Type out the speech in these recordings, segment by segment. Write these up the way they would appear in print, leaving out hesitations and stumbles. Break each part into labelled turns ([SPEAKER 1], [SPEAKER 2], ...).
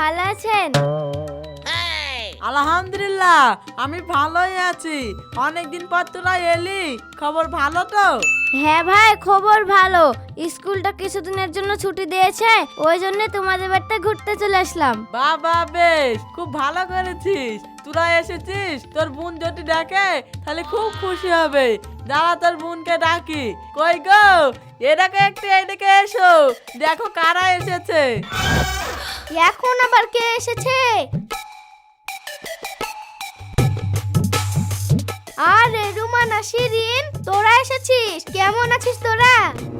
[SPEAKER 1] ভালো আছেন?
[SPEAKER 2] আলহামদুলিল্লাহ, আমি ভালোই আছি। অনেকদিন পর তোরা এলি, খবর ভালো তো?
[SPEAKER 1] হ্যাঁ ভাই, খবর ভালো। স্কুলটা কিছুদিনের জন্য ছুটি দিয়েছে, ওই জন্য তোমাদের বাড়িতে ঘুরতে চলে আসলাম।
[SPEAKER 2] বাবা, বেশ, খুব ভালো করেছিস। তোরা এসেছিস, তোর বোন যদি ডাকে তাহলে খুব খুশি হবে। দাঁড়া, তোর বোনকে ডাকি। কই গো, এটাকে একটু এদিকে এসো, দেখো কারা এসেছে।
[SPEAKER 1] এখন আবার কে এসেছে? আরে রুমানা, শিরিন, তোরা এসেছিস? কেমন আছিস তোরা?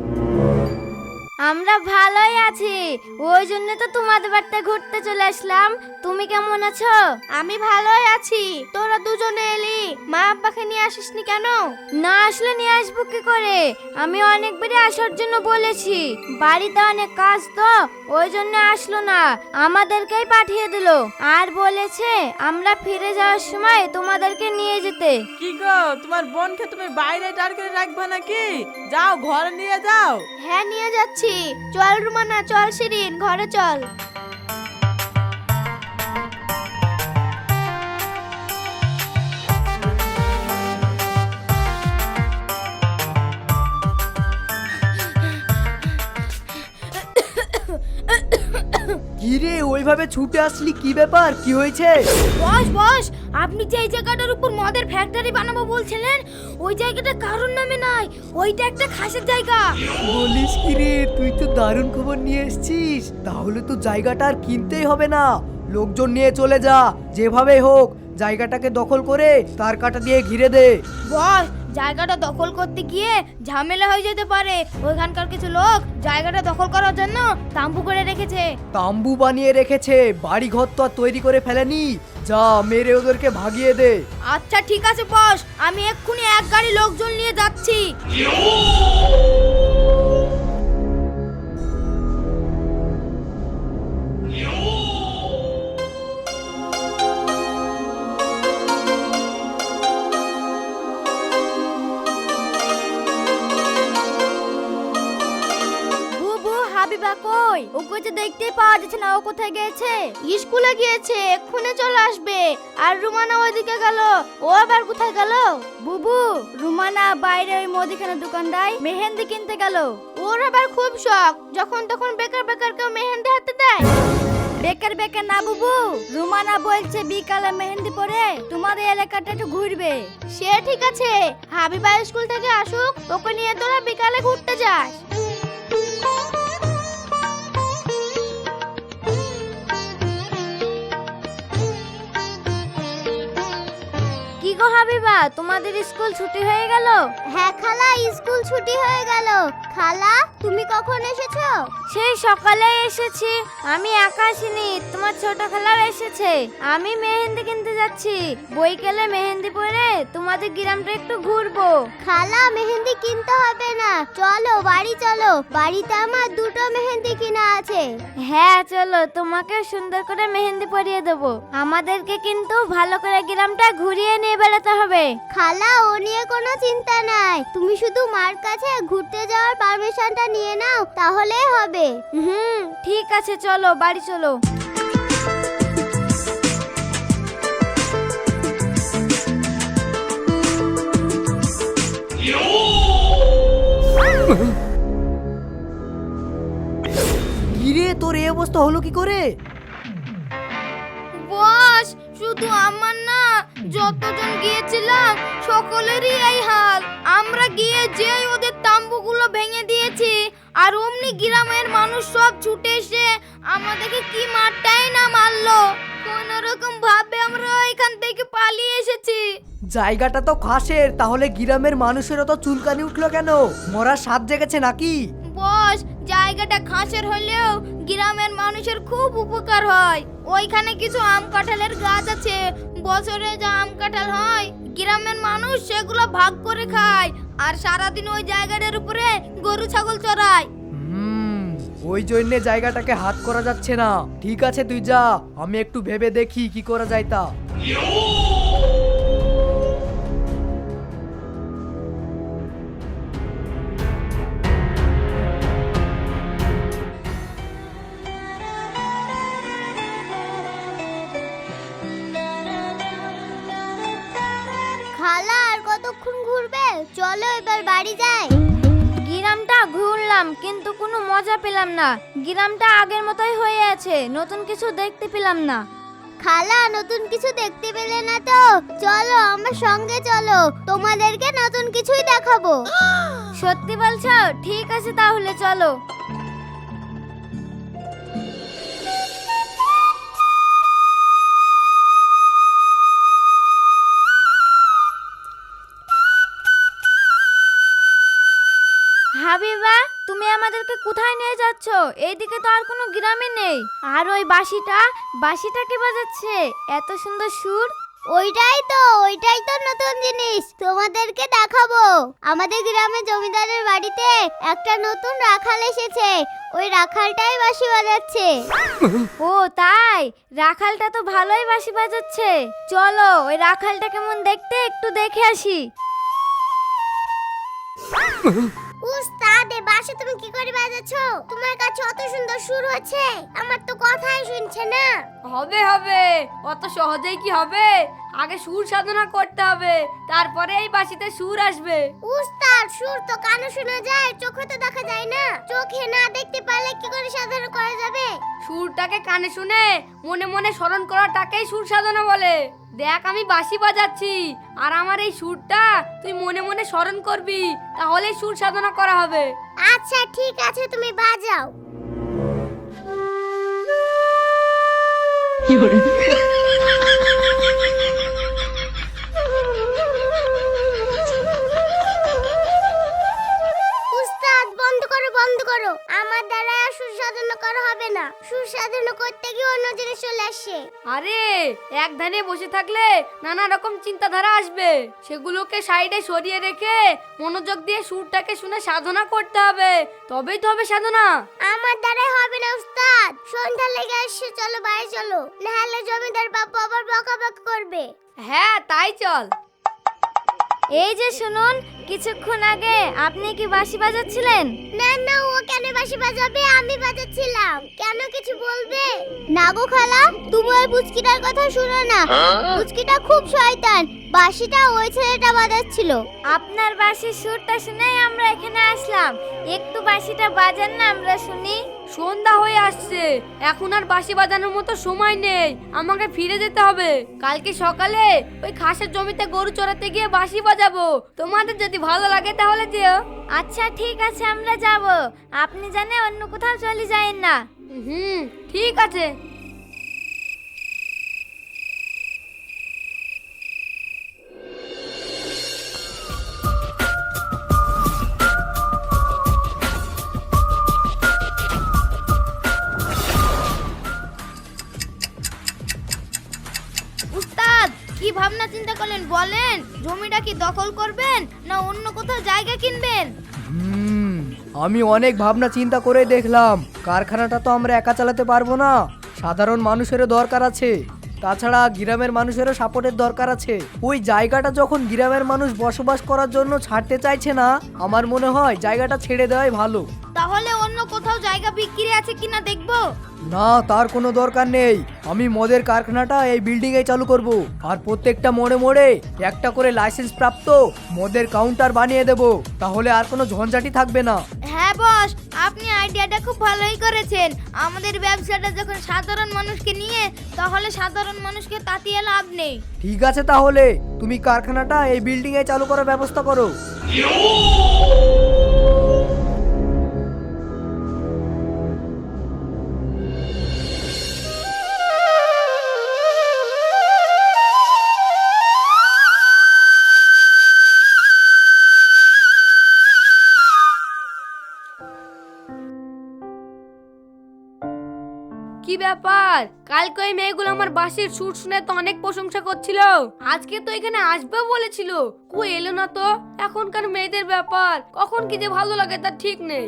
[SPEAKER 1] আমরা ভালোই আছি, ওই জন্য তো তোমাদের বাড়িতে ঘুরতে চলে আসলাম। তুমি কেমন আছো? আমি ভালোই আছি। তোরা দুজনে এলি, মা আব্বাকে নিয়ে আসিসনি কেন? না আসলে নিয়ে আসবো কি করে? আমি অনেকবারই আসার জন্য বলেছি, বাড়িতে অনেক কাজ তো, ওই জন্য আসলো না। আমাদেরকেই পাঠিয়ে দিলো আর বলেছে আমরা ফিরে যাওয়ার সময় তোমাদেরকে নিয়ে যেতে।
[SPEAKER 2] কি গো, তোমার বোনকে তুমি বাইরে দাঁড় করে রাখবে নাকি? যাও, ঘরে নিয়ে যাও।
[SPEAKER 1] হ্যাঁ, নিয়ে যাচ্ছি। চল রুমানা, চল শিরিন, ঘরে চল।
[SPEAKER 3] কিরে, ওইভাবে ছুটে আসলি, কি ব্যাপার, কি হয়েছে?
[SPEAKER 1] বস বস, আপনি যে এই জায়গাটার উপর মদের ফ্যাক্টরি বানাবো বলছিলেন, ওই জায়গাটা কারোর নামে নাই, ওইটা একটা খাসের জায়গা।
[SPEAKER 3] বলিস কি রে, তুই তো দারুণ খবর নিয়ে এসেছিস। তাহলে তো জায়গাটা আর কিনতেই হবে না, লোকজন নিয়ে চলে যা, যেভাবে হোক জায়গাটাকে দখল করে তার কাটা দিয়ে ঘিরে দে।
[SPEAKER 1] বস, জায়গাটা দখল করতে গিয়ে ঝামেলা হয়ে যেতে পারে। ওইখানকার কিছু লোক জায়গাটা দখল করার জন্য তাম্বু করে রেখেছে।
[SPEAKER 3] তাম্বু বানিয়ে রেখেছে, বাড়ি ঘর তো আর তৈরি করে ফেলেনি। যা, মেরে ওদেরকে ভাগিয়ে দে।
[SPEAKER 1] আচ্ছা ঠিক আছে বস, আমি এক্ষুনি এক গাড়ি লোকজন নিয়ে যাচ্ছি। হাবিবা কই? ওকে তো দেখতেই পাওয়া যাচ্ছে না, ও কোথায় গেছে? স্কুলে গিয়েছে, এক্ষুনি চলে আসবে। আর রুমানা ওইদিকে গেল, ও আবার কোথায় গেল? বুবু, রুমানা বাইরে ওই মুদিখানা দোকানটায় মেহেন্দি কিনতে গেল। ওর আবার খুব শখ, যখন তখন বেকার বেকার কেউ মেহেন্দি হাতে দেয়। বেকার বেকার না বুবু, রুমানা বলছে বিকালে মেহেন্দি পরে তোমাদের এলাকাটা একটু ঘুরবে। সে ঠিক আছে, হাবিবা স্কুল থেকে আসুক, ওকে নিয়ে তোরা বিকালে ঘুরতে যাস। কি গো হাবিবা, তোমাদের স্কুল ছুটি হয়ে গেল?
[SPEAKER 4] হ্যাঁ খালা, স্কুল ছুটি হয়ে গেল। খালা, তুমি কখন এসেছো?
[SPEAKER 1] সেই সকালে এসেছি। আমি একা আসিনি, তোমার ছোট খালাও এসেছে। আমি মেহেন্দি কিনতে যাচ্ছি, বইকালে মেহেন্দি পরে তোমাদের গ্রামটা একটু ঘুরবো।
[SPEAKER 4] খালা, মেহেন্দি কিনতে হবে না, চলো বাড়ি চলো, বাড়িতে আমার দুটো মেহেন্দি কিনা আছে।
[SPEAKER 1] হ্যাঁ চলো, তোমাকে সুন্দর করে মেহেন্দি পরিয়ে দেবো। আমাদেরকে কিন্তু ভালো করে গ্রামটা ঘুরিয়ে নিয়ে বেড়াতে হবে।
[SPEAKER 4] খালা, ও নিয়ে কোনো চিন্তা নাই, তুমি শুধু মার কাছে ঘুরতে যাওয়ার পারমিশনটা নিয়ে নাও, তাহলেই হবে।
[SPEAKER 1] ঠিক আছে, চলো বাড়ি চলো।
[SPEAKER 3] কিরে, তোর এই অবস্থা হলো কি করে?
[SPEAKER 1] বস, শুধু আমার না, যতজন গিয়েছিলাম সকলেরই এই হাল। আমরা গিয়ে যেই ওদের তাম্বুগুলো ভেঙে দিয়েছি, আর অমনি গ্রামের মানুষ সব ছুটে এসে আমাদেরকে কি মারটাই না মারলো। কোন রকম ভাবে আমরা এখান থেকে পালিয়ে এসেছি।
[SPEAKER 3] জায়গাটা তো খাসের, তাহলে গ্রামের মানুষেরও তো চুলকানি উঠলো কেন? মরার স্বাদ জেগেছে নাকি?
[SPEAKER 1] বস, জায়গাটা খাসের হলেও গ্রামের মানুষের খুব উপকার হয়। ওইখানে কিছু আম কাঁঠালের গাছ আছে, বছরে যা আম কাঁঠাল হয় গ্রামের মানুষ সেগুলো ভাগ করে খায়, আর সারাদিন ওই জায়গাটার উপরে গরু ছাগল চড়ায়।
[SPEAKER 3] ওই জন্য জায়গাটাকে হাত করা যাচ্ছে না। ঠিক আছে, তুই যা, আমি একটু ভেবে দেখি কি করা যায় তা।
[SPEAKER 4] চলো এবার বাড়ি যাই।
[SPEAKER 1] গ্রামটা ঘুরলাম কিন্তু কোনো মজা পেলাম না। গ্রামটা আগের মতোই হয়ে আছে, নতুন কিছু দেখতে পেলাম না।
[SPEAKER 4] খালা, নতুন কিছু দেখতে পেলে না তো? চলো আমার সঙ্গে চলো, তোমাদেরকে নতুন কিছুই দেখাবো।
[SPEAKER 1] সত্যি বলছো? ঠিক আছে তাহলে চলো। হাবিবা, তুমি আমাদেরকে কোথায় নিয়ে যাচ্ছ? এইদিকে তো আর কোনো গ্রামে নেই। আর ওই বাঁশিটা কি বাজাচ্ছে? এত সুন্দর সুর।
[SPEAKER 4] ওইটাই তো নতুন জিনিস, তোমাদেরকে দেখাবো। আমাদের গ্রামে জমিদারের বাড়িতে একটা নতুন রাখাল এসেছে, ওই রাখালটাই বাঁশি বাজাচ্ছে।
[SPEAKER 1] ও তাই? রাখালটা তো ভালোই বাঁশি বাজাচ্ছে। চলো ওই রাখালটা কেমন দেখতে একটু দেখে আসি।
[SPEAKER 4] উস্তাদ, এ বাঁশি তুমি কি করে বাজাচ্ছো? তোমার কাছে অত সুন্দর সুর হচ্ছে, আমার তো কথাই শুনছে না।
[SPEAKER 5] হবে হবে, অত সহজেই কি হবে? আগে সুর সাধনা করতে হবে, তারপরে এই বাঁশিতে সুর আসবে।
[SPEAKER 4] উস্তাদ, সুর তো কানে শোনা যায়, চোখে তো দেখা যায় না। চোখে না দেখতে পারলে কি করে সাধনা করা যাবে?
[SPEAKER 5] সুরটাকে কানে শুনে মনে মনে স্মরণ করাটাকেই সুর সাধনা বলে। দেখ, আমি বাঁশি বাজাচ্ছি আর আমার এই সুরটা তুই মনে মনে স্মরণ করবি, তাহলেই সুর সাধনা করা হবে।
[SPEAKER 4] আচ্ছা ঠিক আছে, তুমি বাজাও। উস্তাদ, বন্ধ করো, আমার দ্বারা আর সুর সাধনা করা হবে না। সুর সাধনা করতে গিয়ে অন্য জিনিস চলে আসে।
[SPEAKER 5] আরে, এক ধানে বসে থাকলে নানা রকম চিন্তাধারা আসবে, সেগুলোকে সাইডে সরিয়ে রেখে মনোযোগ দিয়ে সুরটাকে শুনে সাধনা করতে হবে, তবেই তো হবে সাধনা।
[SPEAKER 4] আমার দ্বারাই হবে না উস্তাদ, সন্ধ্যা লেগে আসছে, চলো বাড়ি চলো, নাহলে জমিদার বাবু আবার বকাবকি করবে।
[SPEAKER 5] হ্যাঁ তাই চল।
[SPEAKER 1] এই যে শুনুন, কিছুক্ষণ আগে আপনি কি বাঁশি বাজাচ্ছিলেন?
[SPEAKER 4] না, ও কেন বাঁশি বাজাবে? আমি বাজাচ্ছিলাম। কেন, কিছু বলবে? না গো খালা, তুমি ওই পুচকিটার কথা শুনো না। পুচকিটা খুব শয়তান, বাঁশিটা ওই ছেলেটা বাজাচ্ছিল।
[SPEAKER 1] আপনার বাঁশির সুরটা শুনেই আমরা এখানে আসলাম। একটু বাঁশিটা বাজান না, আমরা শুনি।
[SPEAKER 5] সন্ধ্যা হয়ে আসছে, এখন আর বাঁশি বাজানোর মতো সময় নেই, আমাকে ফিরে যেতে হবে। কালকে সকালে ওই খাসের জমিতে গরু চড়াতে গিয়ে বাঁশি বাজাবো, তোমাদের যদি ভালো লাগে তাহলে যেও।
[SPEAKER 1] আচ্ছা ঠিক আছে, আমরা যাব। আপনি জানে অন্য কোথাও চলে যায়েন না।
[SPEAKER 5] ঠিক আছে।
[SPEAKER 1] উস্তাদ, কি ভাবনা চিন্তা করলেন বলেন? জমিটা কি দখল করবেন না অন্য কোথাও জায়গা কিনবেন?
[SPEAKER 3] আমি অনেক ভাবনা চিন্তা করে দেখলাম, কারখানাটা তো আমরা একা চালাতে পারবো না, সাধারণ মানুষেরও দরকার আছে। তাছাড়া গ্রামের মানুষেরও সাপোর্টের দরকার আছে। ওই জায়গাটা যখন গ্রামের মানুষ বসবাস করার জন্য ছাড়তে চাইছে না, আমার মনে হয় জায়গাটা ছেড়ে দেওয়াই ভালো।
[SPEAKER 1] তাহলে অন্য কোথাও জায়গা বিক্রি আছে কিনা দেখবো।
[SPEAKER 3] না, তার কোনো দরকার নেই। আমি মদের কারখানাটা এই বিল্ডিং এ চালু করব, আর প্রত্যেকটা মোড়ে মোড়ে একটা করে লাইসেন্স প্রাপ্ত মদের কাউন্টার বানিয়ে দেব, তাহলে আর কোনো ঝঞ্ঝাটি থাকবে না।
[SPEAKER 1] হ্যাঁ বস, আপনি আইডিয়াটা খুব ভালোই করেছেন। আমাদের ব্যবসাটা যখন সাধারণ মানুষকে নিয়ে, তাহলে সাধারণ মানুষকে তাতিয়ে লাভ নেই।
[SPEAKER 3] ঠিক আছে, তাহলে তুমি কারখানাটা এই বিল্ডিং এ চালু করার ব্যবস্থা করো।
[SPEAKER 5] কি ব্যাপার, কালকে ওই মেয়েগুলো আমার বাঁশির সুর শুনে তো অনেক প্রশংসা করছিল, আজকে তো এখানে আসবে বলেছিল, কই এলো না তো? এখনকার মেয়েদের ব্যাপার, কখন কি যে ভালো লাগে তার ঠিক নেই।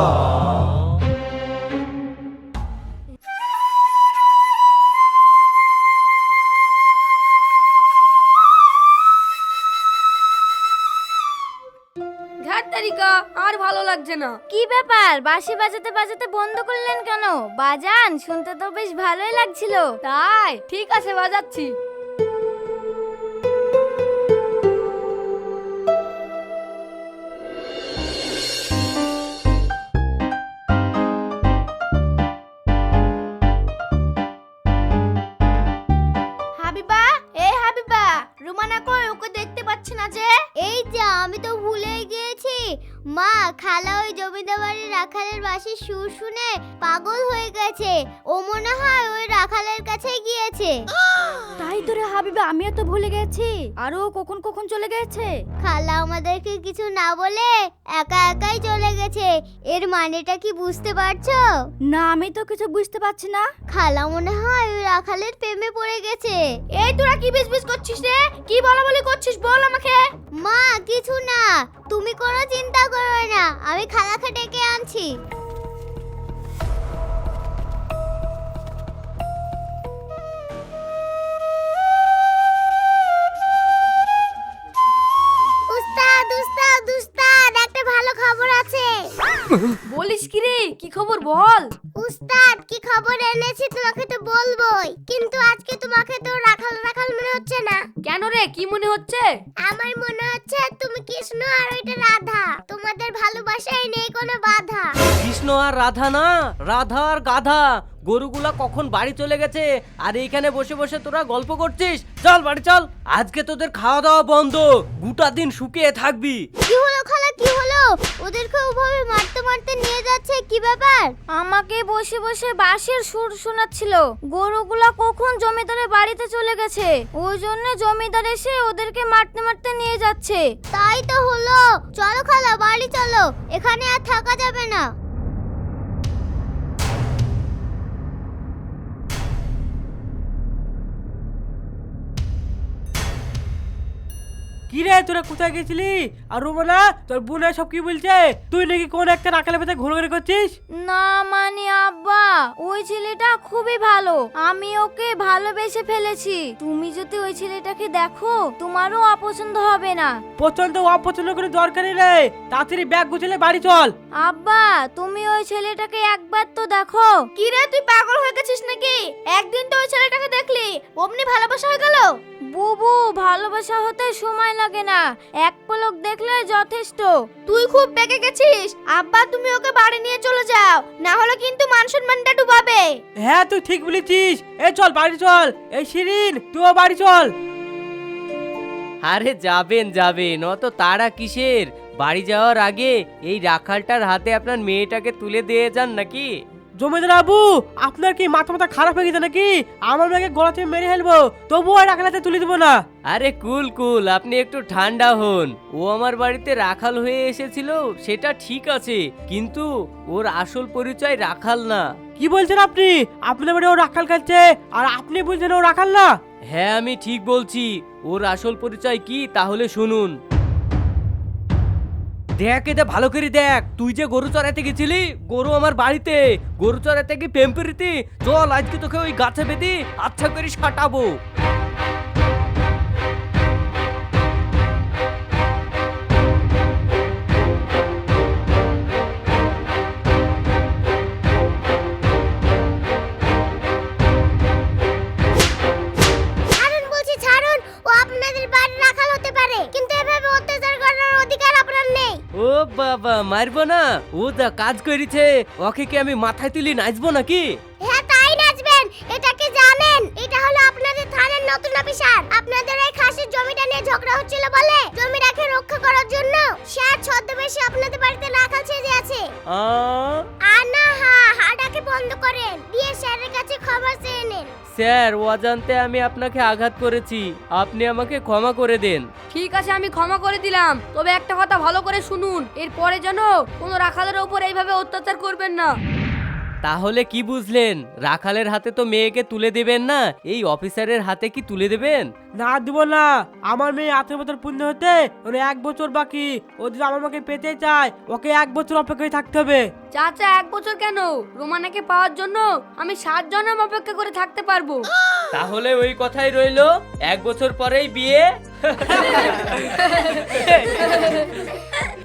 [SPEAKER 5] তারিকা আর ভালো লাগছে না।
[SPEAKER 1] কি ব্যাপার, বাঁশি বাজাতে বাজাতে বন্ধ করলেন কেন? বাজান, শুনতে তো বেশ ভালোই লাগছিল।
[SPEAKER 5] তাই ঠিক আছে, বাজাচ্ছি।
[SPEAKER 4] খালা ওই জমিদার বাড়ির রাখালের বাঁশির সুর শুনে পাগল হয়ে গেছে। ও মনে হয় ওই রাখালের কাছে গিয়েছে।
[SPEAKER 1] তাই তো রে হাবিবা, আমিও তো ভুলে গেছি। আর ও কখন কখন চলে গেছে?
[SPEAKER 4] খালা আমাদেরকে কিছু না বলে একা একাই চলে গেছে। এর মানেটা কি বুঝতে পারছো?
[SPEAKER 1] না, আমি তো কিছু বুঝতে পারছি না।
[SPEAKER 4] খালা মনে হয় ওই রাখালের প্রেমে পড়ে গেছে।
[SPEAKER 1] এই তোরা কি বিজবিজ করছিস রে? কি বলাবলি করছিস বল আমাকে।
[SPEAKER 4] মা কিছু না, তুমি কোনো চিন্তা করো না, আমি খালাকে ডেকে আনছি। উস্তাদ উস্তাদ উস্তাদ, একটা ভালো খবর আছে।
[SPEAKER 5] বলিস কি রে, কি খবর বল।
[SPEAKER 4] উস্তাদ কি খবর এনেছি তোমাকে তো বলবোই, কিন্তু আজকে তোমাকে তো রাখাল রাখাল মনে হচ্ছে না।
[SPEAKER 5] কেন রে, কি মনে হচ্ছে?
[SPEAKER 4] আমার মনে হচ্ছে তুমি কৃষ্ণ আর ওইটা রাধা, তোমাদের ভালোবাসায় নেই কোনো বাধা।
[SPEAKER 6] কৃষ্ণ আর রাধা না, রাধা আর গাধা। গরুগুলা কখন বাড়ি চলে গেছে আর এইখানে বসে বসে তোরা গল্প করছিস? চল বাড়ি চল, আজকে তোদের খাওয়া দাওয়া বন্ধ, গোটা দিন শুকিয়ে থাকবি।
[SPEAKER 4] কি হলো খালা, কি হলো? ওদেরকে ওভাবে মারতে মারতে নিয়ে যাচ্ছে, কি ব্যাপার?
[SPEAKER 1] আমাকে বসে বসে বাঁশির সুর শোনাচ্ছিল। গরুগুলা কখন জমিদারের বাড়িতে চলে গেছে, ওই জন্য জমিদার এসে ওদেরকে মারতে মারতে নিয়ে যাচ্ছে।
[SPEAKER 4] তাই তো হলো, চলো খালা বাড়ি চলো, এখানে আর থাকা যাবে না।
[SPEAKER 6] কি রে তোরা কোথায় গেছিলি? আর রোমানা তোর বোন সব কি বলছে? তুই নাকি কোন একটা রাখালের ভেতরে ঘোরাঘুরি করছিস?
[SPEAKER 1] না মানে আব্বা, ওই ছেলেটা খুবই ভালো, আমি ওকে ভালোবেসে ফেলেছি। তুমি যদি ওই ছেলেটাকে দেখো তোমারও অপছন্দ হবে না।
[SPEAKER 6] পছন্দ অপছন্দ করে দরকারই নেই, তাড়াতাড়ি ব্যাগ গুছালে বাড়ি চল।
[SPEAKER 1] আব্বা তুমি ওই ছেলেটাকে একবার তো দেখো। কি রে তুই পাগল হয়ে গেছিস নাকি? একদিন তো ওই ছেলেটাকে দেখলি, অমনি ভালোবাসা হয়ে গেল? বুবু, ভালোবাসা হতে সময় লাগে না, এক পলক দেখলে যথেষ্ট। তুই খুব বেঁকে গেছিস। আব্বা তুমি ওকে বাড়ি নিয়ে চলে যাও, না হলে কিন্তু মান সম্মানটা ডুবাবে।
[SPEAKER 6] হ্যাঁ তুই ঠিক বলেছিস, এই চল বাড়ি চল। এই শিরিন তুইও বাড়ি চল। আরে যাবেন যাবেন, অত তাড়া কিসের? বাড়ি যাওয়ার আগে এই রাখালটার হাতে আপনার মেয়েটাকে তুলে দিয়ে যান নাকি? জমিদার বাবু, আপনার কি মাথা মাথা খারাপ হয়ে গেছে নাকি? আমার মেয়েকে গলা থেকে মেরে ফেলবো, তবুও আর রাখালাতে তুলে দেবো না। আরে কুল কুল, আপনি একটু ঠান্ডা হন। ও আমার বাড়িতে রাখাল হয়ে এসেছিল সেটা ঠিক আছে, কিন্তু ওর আসল পরিচয় রাখাল না। কি বলছেন আপনি? আপনার বাড়ি ও রাখাল খাচ্ছে আর আপনি বলছেন ও রাখাল না? হ্যাঁ আমি ঠিক বলছি। ওর আসল পরিচয় কি তাহলে শুনুন। দেখ এটা ভালো করে দেখ, তুই যে গরু চড়াইতে গেছিলি, গরু আমার বাড়িতে, গরু চড়াইতে কি প্রেম প্রীতি? চল আজকে তোকে ওই গাছে বেঁধে আচ্ছা করে সাঁটাবো।
[SPEAKER 4] ছাড়ুন বলছি ছাড়ুন, ও আপনাদের বাড়ির রাখাল হতে পারে, কিন্তু এভাবে অত্যাচার করার অধিকার আপনার নেই।
[SPEAKER 6] ও বাবা, মারবো না? ও যা কাজ করেছে, ওকে কি আমি মাথায় তুলি নাচবো নাকি?
[SPEAKER 4] হ্যাঁ তাই নাচবেন। এটা কি জানেন, এটা হলো আপনাদের থানার নতুন অফিসার। আপনাদের এই খাসির জমিটা নিয়ে ঝগড়া হচ্ছিল বলে জমিটাকে রক্ষা করার জন্য স্যার ছদ্মবেশে আপনাদের বাড়িতে রাখাল সেজে আছে। আনা হাডাকে বন্ধ করেন, দিয়ে স্যারের কাছে ক্ষমা চেয়ে নেন।
[SPEAKER 6] স্যার, অজান্তে আমি আপনাকে আঘাত করেছি, আপনি আমাকে ক্ষমা করে দেন।
[SPEAKER 5] ঠিক আছে, আমি ক্ষমা করে দিলাম, তবে একটা কথা ভালো করে শুনুন, এরপরে যেন কোনো রাখালের ওপর এইভাবে অত্যাচার করবেন না।
[SPEAKER 6] তাহলে কি বুঝলেন? রাখালের হাতে তো মেয়েকে তুলে দেবেন না, এই অফিসারের হাতে কি তুলে দেবেন? না দিব না, আমার মেয়ে 18 বছর পূর্ণ হতে ওর 1 বছর বাকি। ও যদি আমার মাকে পেতে চায়, ওকে 1 বছর অপেক্ষায় থাকতে হবে।
[SPEAKER 5] চাচা 1 বছর কেন, রোমানাকে পাওয়ার জন্য আমি 7 জন্ম অপেক্ষা করে থাকতে পারবো।
[SPEAKER 6] তাহলে ওই কথাই রইলো, 1 বছর পরেই বিয়ে।